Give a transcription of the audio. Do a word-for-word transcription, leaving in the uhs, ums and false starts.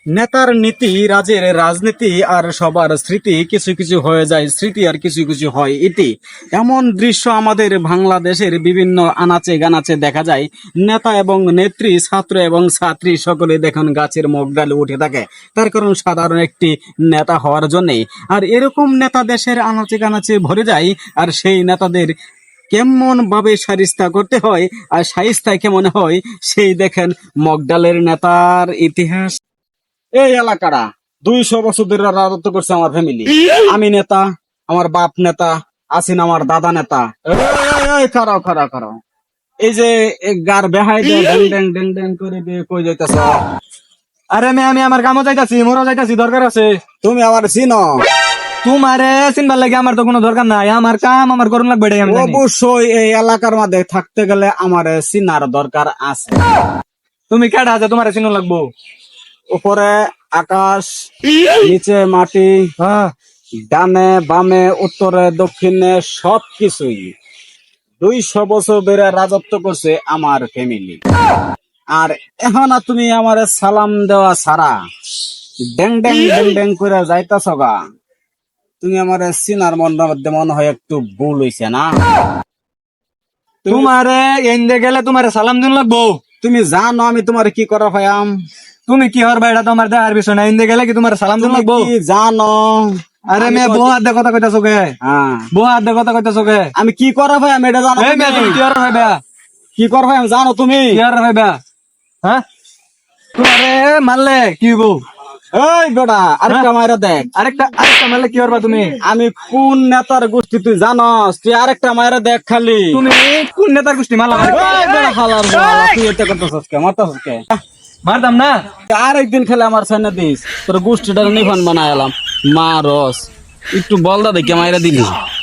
নেতার নীতি, রাজের রাজনীতি, আর সবার স্মৃতি কিছু কিছু হয়ে যায় স্মৃতি, আর কিছু কিছু হয় ইতি। এমন দৃশ্য আমাদের বাংলাদেশের বিভিন্ন আনাচে গানাচে দেখা যায়। নেতা এবং নেত্রী, ছাত্র এবং ছাত্রী সকলে দেখুন গাছের মুখ ডালে উঠে থাকে, তার কারণ সাধারণ একটি নেতা হওয়ার জন্যে। আর এরকম নেতা দেশের আনাচে গানাচে ভরে যায়, আর সেই নেতাদের কেমন ভাবে সারিস্তা করতে হয় আর সাইস্তায় কেমন হয় সেই দেখেন মগডালের নেতার ইতিহাস। এই এলাকাটা দুইশো বছর ধরে রাজত্ব করছে আমার ফ্যামিলি। আমি নেতা, আমার বাপ নেতা, আছেন আমার দাদা নেতা। এই খারাও খারাও খারাও, এই যে গার বেহাই ড্যাং ড্যাং ড্যাং ড্যাং করে দিয়ে কই যাইতাছ? আরে মে আমি আমার কামও যাইতাছি, মোরও যাইতাছি, দরকার আছে। তুমি আমার চিনো? তোমারে চিনবার লাগে আমার তো কোনো দরকার নাই, আমার কাম আমার করুন লাগবে এটাই আমি জানি। অবশ্যই এই এলাকার মধ্যে থাকতে গেলে আমার চিনার দরকার আছে। তুমি কেডা আছে তোমারে চিনো লাগবো? উপরে আকাশ, নিচে মাটি, হ্যাঁ, ডানে বামে উত্তরে দক্ষিণে সবকিছুই দুইশো বছর ধরে রাজত্ব করছে আমার ফ্যামিলি। আর এখন আর তুমি আমার সালাম দেওয়া ছাড়া ড্যাং ড্যাং ড্যাং ড্যাং করে যাইতাছ গা। তুমি আমার চিনার মধ্যে মনে হয় একটু ভুল হইছে না? তোমারে এনদে গেলে তোমারে সালাম দিন লাগবো। তুমি জানো আমি তোমার কি করা ভাইয়াম? তুমি কি হরবা এটা তো আমার দেখার বিষয় না, এনদে গেলে কি তোমার সালাম দিন তুমি লাগবো? কি জানো? আরে আমি মেয়ে তো- বউ হাত কথা কইতাছো কে? হ্যাঁ, বউ হাত কথা কইতাছো কে? আমি কি করা ভাই আমি এটা জানো? এই মেয়ে তুমি তুমি? কি হর হইবা? কি করা ভাই আমি জানো তুমি? কি হর হইবা? হ্যাঁ, তোমারে মারলে কি হইবো? এই বেটা আরেকটা মাইরা দেখ। আরেকটা আরেকটা মারলে কি হরবা তুমি? আমি কোন নেতার গোষ্ঠী তুই জানস? তুই আরেকটা মাইরা দেখ খালি। তুমি কোন নেতার গোষ্ঠী মারলা? এই বেটা হালার বাবা, তুই এটা করতেছস কে? মারতেছস কে? মারতাম না। আরেকদিন খেলে আমার সামনে দিস তোর গোষ্ঠীটা নিফান বানাইলাম। মা রস একটু বলদা দেখে মাইরা দিলি।